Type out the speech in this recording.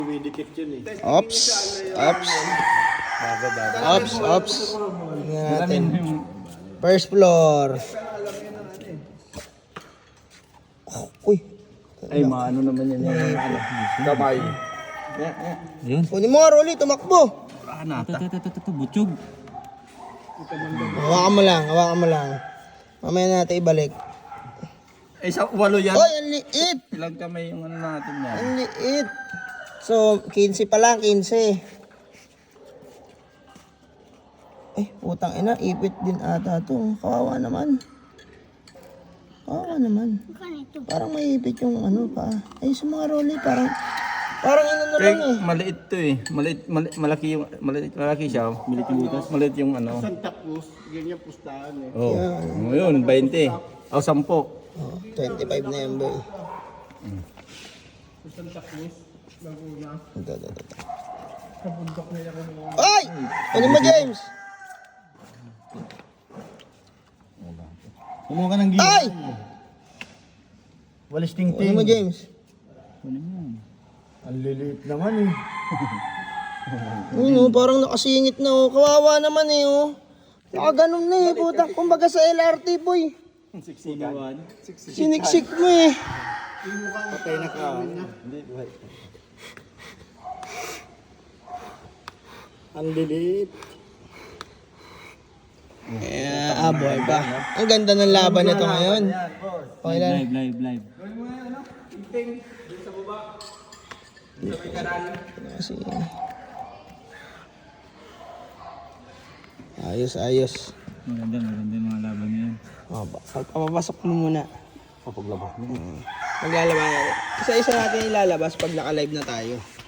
Ops. Tingnan natin. First floor. Uy. Ay, maano naman yan. Kamay. Ayun. Kunin mo nga, Rolly. Tumakbo. Ito, butsog. Hawakan mo lang. Mamaya natin ibalik. Ay, sa walo yan. Oy, ang liit. Ilang kamay yung ano natin yan. Ang liit. So, 15 pa lang, 15. Eh, putang ina, ipit din ata to. Kawawa naman. Parang may ipit yung ano pa. Ay, sa mga Rolly, parang inano lang eh. Maliit to eh. Malaki siya. Maliit yung butas. Maliit yung ano. Santa Cruz, ganyan pustahan eh. Oh. Yun, 20. O, 10. Oh, 25 na yan, boy. Santa Cruz, Laguna. Ito. Sa bundok na yan. Ay! Ano mo, James? Kumuha ka ng Ay! Walis Ano mo, James? Ang liliit naman eh. Ano, parang nakasingit na oh. Kawawa naman eh oh. Nakaganon na eh, putang. Kumbaga sa LRT, boy. Siniksik mo eh. Patay na ka. Ang liliit. Boy ba? Ang ganda ng laban nito ngayon. Okay lang. Live. Kasi... Ayos. Maganda yung mga laban niya. Papapasok mo muna. Papaglabas mo. Maglalabas. Isa-isa natin ilalabas pag naka-live na tayo.